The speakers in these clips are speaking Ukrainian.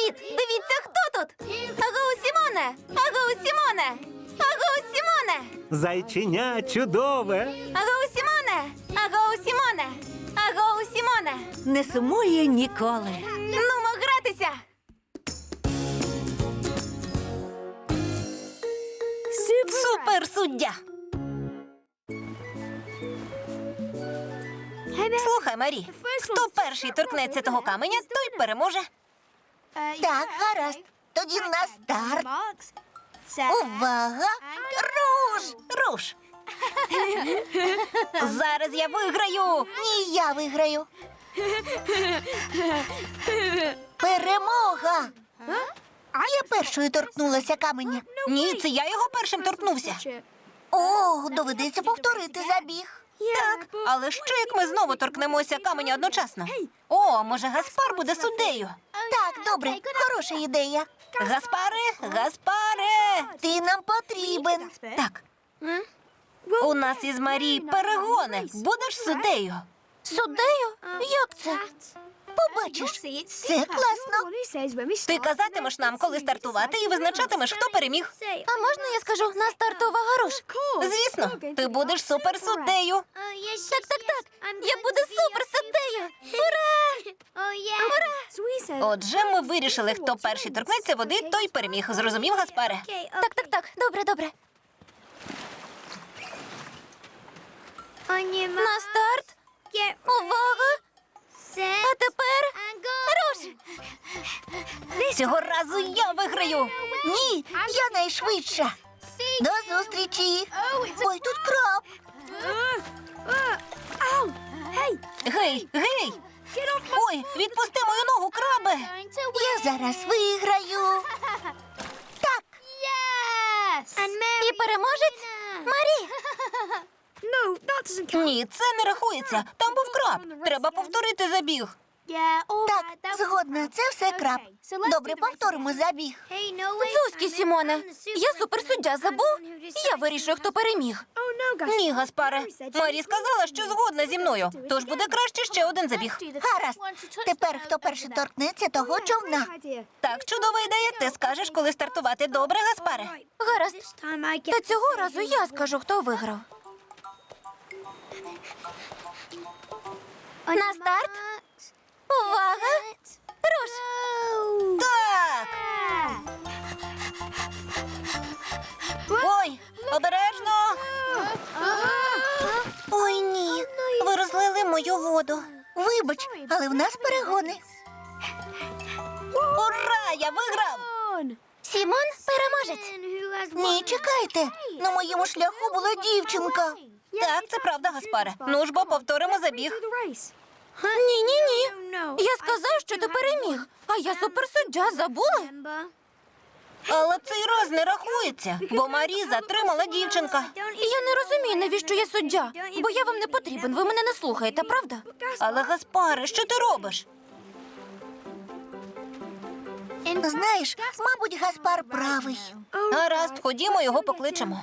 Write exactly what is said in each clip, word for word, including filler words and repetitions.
Привіт! Дивіться, хто тут! Агоу, Сімоне! Агоу, Сімоне! Агоу, Сімоне! Зайченя чудове. Агоу, Сімоне! Агоу, Сімоне! Агоу, Сімоне! Не сумує ніколи. Нумо гратися! Супер суддя. Слухай, Марі, хто перший торкнеться того каменя, той переможе. Так, гаразд. Тоді на старт. Увага! Руш! Руш! Зараз я виграю. Ні, я виграю. Перемога! Я першою торкнулася каменя. Ні, це я його першим торкнувся. О, доведеться повторити забіг. Так, але що як ми знову торкнемося каменя одночасно? О, може, Гаспар буде суддею? Так, добре, хороша ідея. Гаспаре, Гаспаре! Ти нам потрібен. Так. У нас із Марі перегони. Будеш суддею? Суддею? Як це? Побачиш, це класно. Ти казатимеш нам, коли стартувати, і визначатимеш, хто переміг. А можна я скажу на старт увага, руш? Звісно, ти будеш суперсуддею. Так, так, так. Я буду суперсуддею. Ура! Ура! Отже, ми вирішили, хто перший торкнеться води, той переміг. Зрозумів, Гаспаре? Так, так, так. Добре, добре. На старт. Увага! А тепер руш! Цього разу я виграю. Ні, я найшвидша. До зустрічі. Ой, тут краб. Гей, гей! Ой, відпусти мою ногу, крабе! Я зараз виграю. Так, І переможець Марі. Ні, це не рахується. Там був краб. Треба повторити забіг. так, згодна, це все краб. Добре, повторимо забіг. Зузьки, Сімоне. Я суперсуддя забув. Я вирішую, хто переміг. Ні, Гаспаре. Марі сказала, що згодна зі мною. Тож буде краще ще один забіг. Гаразд. Тепер, хто перший торкнеться того човна. Так, чудова ідея. Ти скажеш, коли стартувати. Добре, Гаспаре? Гаразд. Та цього разу я скажу, хто виграв. На старт. Увага! Руш! Так! Ой, обережно! Ой, ні. Ви розлили мою воду. Вибач, але в нас перегони. Ура! Я виграв! Сімон переможець. Ні, чекайте. На моєму шляху була дівчинка. Так, це правда, Гаспаре. Ну ж бо повторимо забіг. Ні, ні, ні. Я сказав, що ти переміг. А я суперсуддя, забули? Але цей раз не рахується, бо Марі затримала дівчинка. Я не розумію, навіщо я суддя. Бо я вам не потрібен, ви мене не слухаєте, правда? Але, Гаспаре, що ти робиш? Знаєш, мабуть, Гаспар правий. Гаразд, ходімо, його покличемо.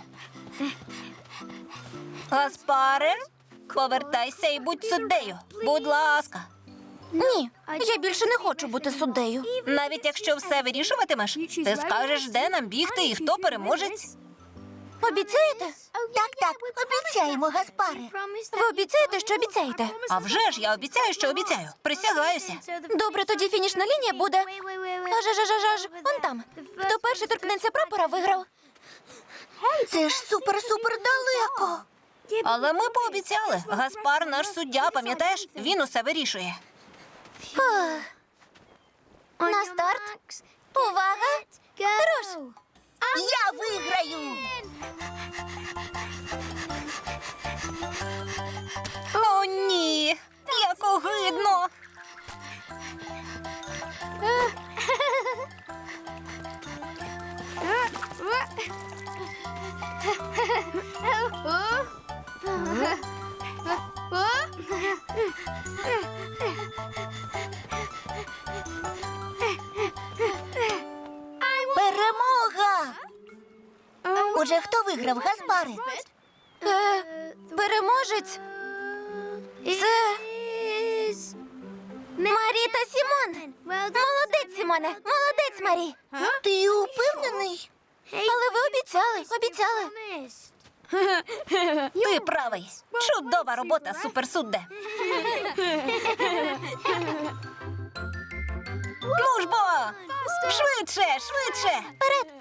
Гаспаре, повертайся і будь суддею. Будь ласка. Ні, я більше не хочу бути суддею. Навіть якщо все вирішуватимеш, ти скажеш, де нам бігти і хто переможець. Обіцяєте? Так, так, обіцяємо, Гаспаре. Ви обіцяєте, що обіцяєте? А вже ж я обіцяю, що обіцяю. Присягаюся. Добре, тоді фінішна лінія буде. Аж, аж, аж, аж, аж, он там. Хто перший торкнеться прапора, виграв. Це ж супер-супер далеко. Але ми пообіцяли. Гаспар наш суддя, пам'ятаєш? Він усе вирішує. Фух. На старт. Увага! Руш! Я виграю. О, ні! Як огидно! Перемога! Отже, хто виграв, Гаспаре? Е, переможець. Це Марі та Сімон. Молодець, Сімоне, молодець. Молодець, Марі. Ти упевнений? Але ви обіцяли, обіцяли. Ти правий. Чудова робота, суперсудде. Ну ж бо! Швидше, швидше! Вперед,